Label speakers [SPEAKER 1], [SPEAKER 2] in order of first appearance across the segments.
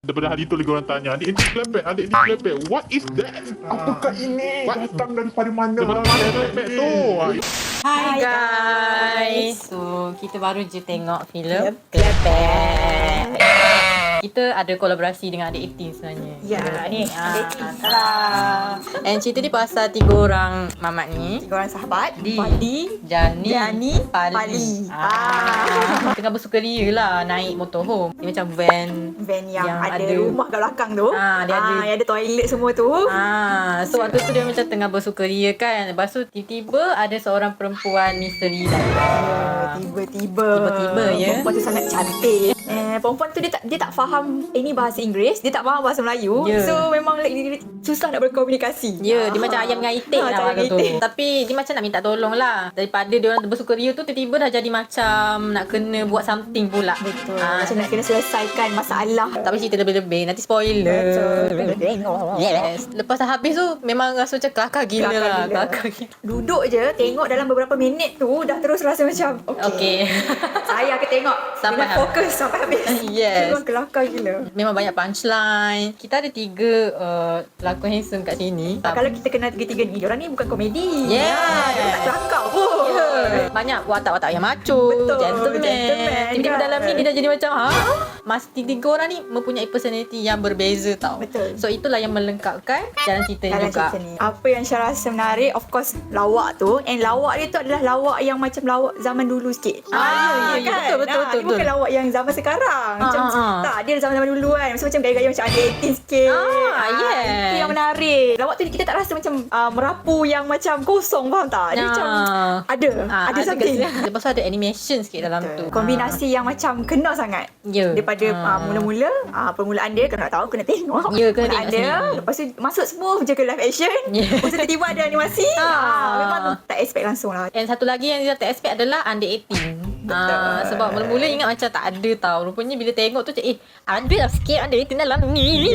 [SPEAKER 1] Daripada hari tu lagi orang tanya, adik Klepek, what is that?
[SPEAKER 2] Apakah ini?
[SPEAKER 1] What?
[SPEAKER 2] Datang daripada mana?
[SPEAKER 1] Daripada mana Klepek tu?
[SPEAKER 3] Hai guys. So kita baru je tengok filem Klepek. Kita ada kolaborasi dengan Adik 18 sebenarnya.
[SPEAKER 4] Ya, ni Adik 18 lah.
[SPEAKER 3] And cerita ni pasal 3 orang mamat ni.
[SPEAKER 4] 3 orang sahabat,
[SPEAKER 3] Padi, Jani, Pali. Tengah bersukaria lah naik motorhome. Dia macam
[SPEAKER 4] Van yang ada rumah kat belakang tu.
[SPEAKER 3] Dia ada
[SPEAKER 4] yang ada toilet semua tu.
[SPEAKER 3] So waktu tu dia macam tengah bersukaria kan. Lepas tu tiba-tiba ada seorang perempuan misteri datang.
[SPEAKER 4] Tiba-tiba
[SPEAKER 3] ya.
[SPEAKER 4] Perempuan tu sangat cantik. Perempuan tu dia tak faham ini bahasa Inggeris, dia tak faham bahasa Melayu. So memang dia susah nak berkomunikasi.
[SPEAKER 3] Dia macam ayam dengan itik lah waktu tu. Tapi dia macam nak minta tolong lah. Daripada dia orang bersukaria tu, tiba-tiba dah jadi macam nak kena buat something pula.
[SPEAKER 4] Betul. Macam nak kena selesaikan masalah.
[SPEAKER 3] Tak boleh cerita lebih-lebih, nanti spoiler.
[SPEAKER 4] Betul.
[SPEAKER 3] Yes. Lepas dah habis tu memang rasa macam kelakar gila lah. Kelakar gila.
[SPEAKER 4] Duduk je tengok dalam beberapa minit tu dah terus rasa macam
[SPEAKER 3] Okay.
[SPEAKER 4] Saya akan tengok
[SPEAKER 3] Sampai
[SPEAKER 4] dengan fokus sampai habis.
[SPEAKER 3] Yes.
[SPEAKER 4] Memang kelakar gila.
[SPEAKER 3] Memang banyak punchline. Kita ada 3 pelakon handsome kat sini.
[SPEAKER 4] Kalau kita kenal tiga-tiga ni, diorang ni bukan komedi.
[SPEAKER 3] Yeah.
[SPEAKER 4] Diorang tak kelakar pun.
[SPEAKER 3] Banyak watak-watak yang macho.
[SPEAKER 4] Betul,
[SPEAKER 3] Gentleman. Tiba-tiba
[SPEAKER 4] kan.
[SPEAKER 3] dalam ni dia dah jadi macam Mas 3 orang ni mempunyai personality yang berbeza tau.
[SPEAKER 4] Betul.
[SPEAKER 3] So itulah yang melengkapkan jalan cerita ni
[SPEAKER 4] Dalam
[SPEAKER 3] juga.
[SPEAKER 4] cerita ni, apa yang saya rasa menarik, of course lawak tu. And lawak dia tu adalah lawak yang macam lawak zaman dulu sikit.
[SPEAKER 3] Ya, betul.
[SPEAKER 4] Dia bukan lawak yang zaman sekarang. Macam tak, dia zaman dulu kan. Macam gaya-gaya macam ada 18 sikit.
[SPEAKER 3] Yes.
[SPEAKER 4] Itu yang menarik. Lawak tu kita tak rasa macam merapu yang macam kosong, faham tak? Dia macam ada something.
[SPEAKER 3] Lepas tu ada animation sikit dalam tu.
[SPEAKER 4] Kombinasi yang macam kena sangat.
[SPEAKER 3] Ya.
[SPEAKER 4] Daripada mula-mula permulaan dia, kalau nak tahu kena tengok.
[SPEAKER 3] Ya, kena
[SPEAKER 4] permulaan
[SPEAKER 3] tengok
[SPEAKER 4] dia.
[SPEAKER 3] sendiri.
[SPEAKER 4] Lepas tu masuk semua je ke live action. Lepas tu tiba-tiba ada animasi. Memang tak expect langsung lah.
[SPEAKER 3] And satu lagi yang dia tak expect adalah under 18. Sebab mula-mula ingat macam tak ada tau. Rupanya bila tengok tu macam ada lah sikit under 18 dalam ni.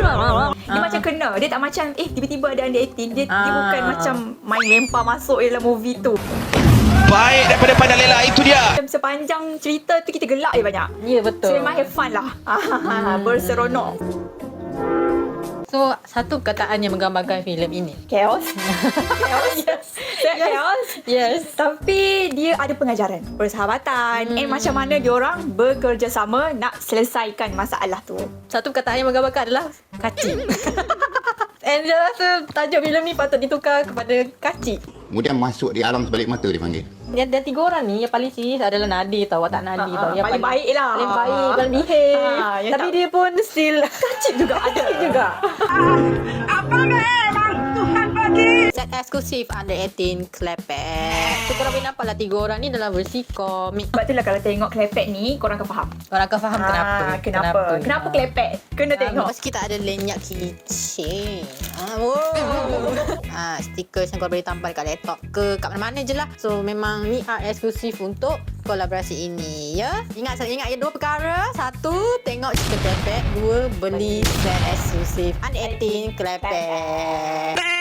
[SPEAKER 4] Dia macam kena. Dia tak macam tiba-tiba ada under 18. Dia bukan macam main lempar masuk dalam movie tu.
[SPEAKER 5] Baik daripada Pandang Lela, itu dia.
[SPEAKER 4] Macam sepanjang cerita tu kita gelak je banyak.
[SPEAKER 3] Ya, betul.
[SPEAKER 4] So memang have fun lah. Berseronok.
[SPEAKER 3] So, satu perkataan yang menggambarkan filem ini.
[SPEAKER 4] Chaos. Chaos.
[SPEAKER 3] Yes.
[SPEAKER 4] Tapi dia ada pengajaran, persahabatan, and macam mana diorang bekerjasama nak selesaikan masalah tu.
[SPEAKER 3] Satu perkataan yang menggambarkan adalah kacik. And dia rasa tajuk filem ni patut ditukar kepada kacik.
[SPEAKER 2] Kemudian masuk di alam sebalik mata dia panggil.
[SPEAKER 3] Dan 3 orang ni yang paling serius adalah Nadir tau, watak Nadir tau. Yang
[SPEAKER 4] paling baik lah.
[SPEAKER 3] Paling baik, paling behave. Tapi dia pun still
[SPEAKER 4] Kacik juga ada.
[SPEAKER 5] Apa memang Tuhan bagi?
[SPEAKER 3] set eksklusif under 18 Klepek. So korang boleh nampak lah 3 orang ni dalam versi komik.
[SPEAKER 4] Sebab itulah kalau tengok Klepek ni, korang akan faham.
[SPEAKER 3] Korang akan faham
[SPEAKER 4] Kenapa Klepek? Kena tengok.
[SPEAKER 3] Lepas kita ada lenyak keychain. Stiker yang korang boleh tampal kat laptop ke kat mana-mana je lah. So memang ni art eksklusif untuk kolaborasi ini ya. Ingat ya 2 perkara. 1, tengok cerita Klepek. 2, beli set eksklusif under 18 Klepek.